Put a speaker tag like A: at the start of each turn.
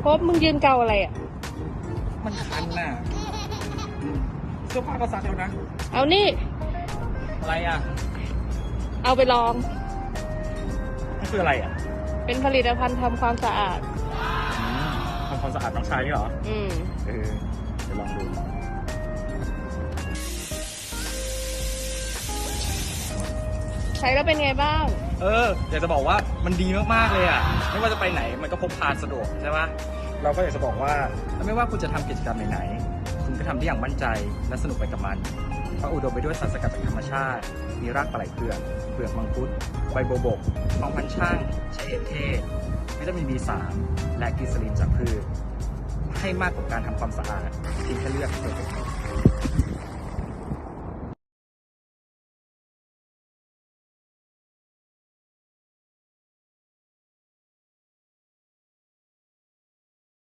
A: พบมึงยืนเกาอะไรอ่ะ
B: มันคันน่ะเสื้อผ้าก็ซักแล้วนะ
A: เอานี่
B: อะไรอ่ะ
A: เอาไปลอง
B: นี่คืออะไรอ่ะ
A: เป็นผลิตภัณฑ์ทำความสะอาด
B: ทำความสะอาดน้องชายนี่เหรอ
A: อืม
B: เดี๋ยวลองดู
A: ใช้แล้วเป็นไงบ้าง
B: อยากจะบอกว่ามันดีมากๆเลยอ่ะ ไม่ว่าจะไปไหนมันก็พกพาสะดวกใช่ปะเราก็อยากจะบอกว่าไม่ว่าคุณจะทำกิจกรรมไหนๆคุณก็ทำได้อย่างมั่นใจและสนุกไปกับมันเพราะอุดมไปด้วยสารสกัดจากธรรมชาติ มีรากปลาไหลเผือกเปลือกมังคุดใบโบบกทองพันช่างใช้เอทเทศวิตามิน B3 และกลีเซอรีนจากพืชให้มากกว่าการทำความสะอาดเพียงแค่เลือกเพอร์เฟค